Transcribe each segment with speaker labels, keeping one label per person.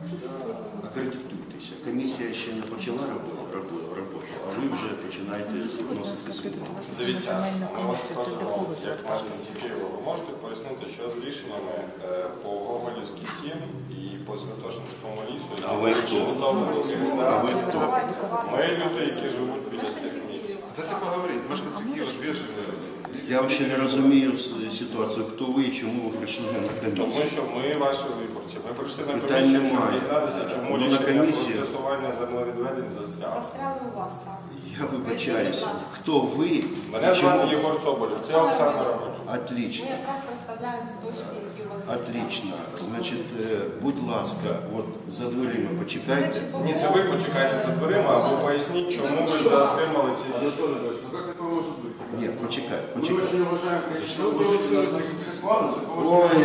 Speaker 1: Акредитуйтеся. Комісія ще не почала роботу, а ви вже починаєте вносити зміни.
Speaker 2: Дивіться, ми вас скажемо, як мешканці Києва, ви можете пояснити, що з рішеннями по Гоголівській 7 і по Святошинському лісу,
Speaker 1: А ви хто? А ви хто?
Speaker 2: Ми люди, які живуть біля цих місць.
Speaker 3: Дайте поговорити, мешканці Києва звіжені.
Speaker 1: Я взагалі не розумію ситуацію, хто ви і чому ви прийшли на
Speaker 2: Тому
Speaker 1: комісію.
Speaker 2: що ми ваші виборці. Ми прийшли на
Speaker 1: Питань
Speaker 2: комісію, щоб
Speaker 1: немає.
Speaker 2: дізнатися, чому
Speaker 1: Ну, на
Speaker 2: рішення про
Speaker 1: комісію.
Speaker 2: скасування землевідведень застряло.
Speaker 4: Застряли у вас там.
Speaker 1: Я вибачаюся. Хто ви і
Speaker 2: Мене звати
Speaker 1: чому?
Speaker 2: Єгор Соболєв, це Оксана Романюк.
Speaker 4: Ми
Speaker 1: Отлично.
Speaker 4: якраз представляємо ці точки, які у вас.
Speaker 1: Отлично. Значить, будь ласка, от за дверима почекайте.
Speaker 2: Ні, це ви почекайте за дверима, або поясніть, чому ви затримали ці рішення.
Speaker 3: Анатолий Ильич, ну как такое может быть?
Speaker 1: Ні, почекай,
Speaker 3: Мы
Speaker 1: почекай.
Speaker 3: очень уважаем количество сексуально,
Speaker 1: Ой.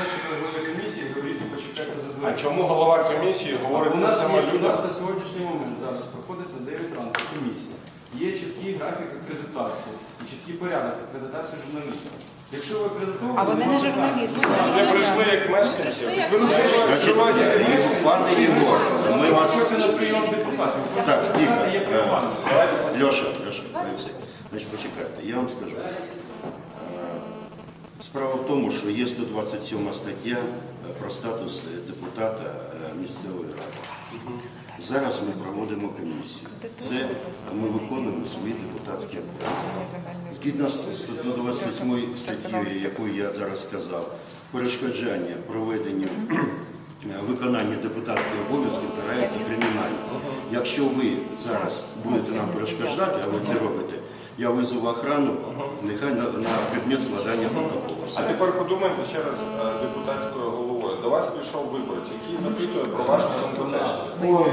Speaker 2: А чому голова комісії говорить
Speaker 5: У
Speaker 2: те
Speaker 5: нас
Speaker 2: саме
Speaker 5: є, у
Speaker 2: людям?
Speaker 5: нас на сьогоднішній момент зараз проходить на 9 ранку комісія. Є чіткий графік акредитації і чіткий порядок акредитації журналістів. Якщо ви акредитовані,
Speaker 6: А вони не журналісти.
Speaker 2: Вони прийшли як мешканці.
Speaker 1: Значить, пане Єгор, ми вас...
Speaker 5: приходьте на прийом депутатів.
Speaker 1: Так, тихо.
Speaker 5: Є приймальня.
Speaker 1: Леша, Олексій, значить, почекайте, я вам скажу. Справа в тому, що є 127 стаття про статус депутата місцевої ради. Зараз ми проводимо комісію. Це ми виконуємо свої депутатські обов'язки. Згідно з 128 статтєю, яку я зараз сказав, перешкоджання проведення виконання депутатських обов'язків карається кримінально. Якщо ви зараз будете нам перешкоджати, а ви це робите, я визову охрану, нехай на предмет складання протоколу.
Speaker 2: А
Speaker 1: Все.
Speaker 2: тепер подумайте ще раз депутатською головою. До вас прийшов виборець, який запитує про вашу компетенцію.
Speaker 1: Ой,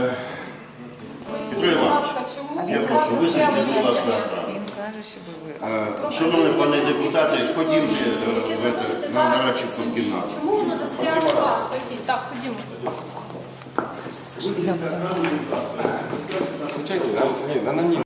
Speaker 1: Петро Іванович,
Speaker 4: Чому
Speaker 1: я прошу, визнайте, будь ласка, охрану.
Speaker 6: Він каже, що ви
Speaker 1: Шановні пане депутати, ходімте на нарадчу кімнату.
Speaker 4: Чому воно застряло у вас? Скажіть. Так, ходімо.
Speaker 2: Звичайно, ні, на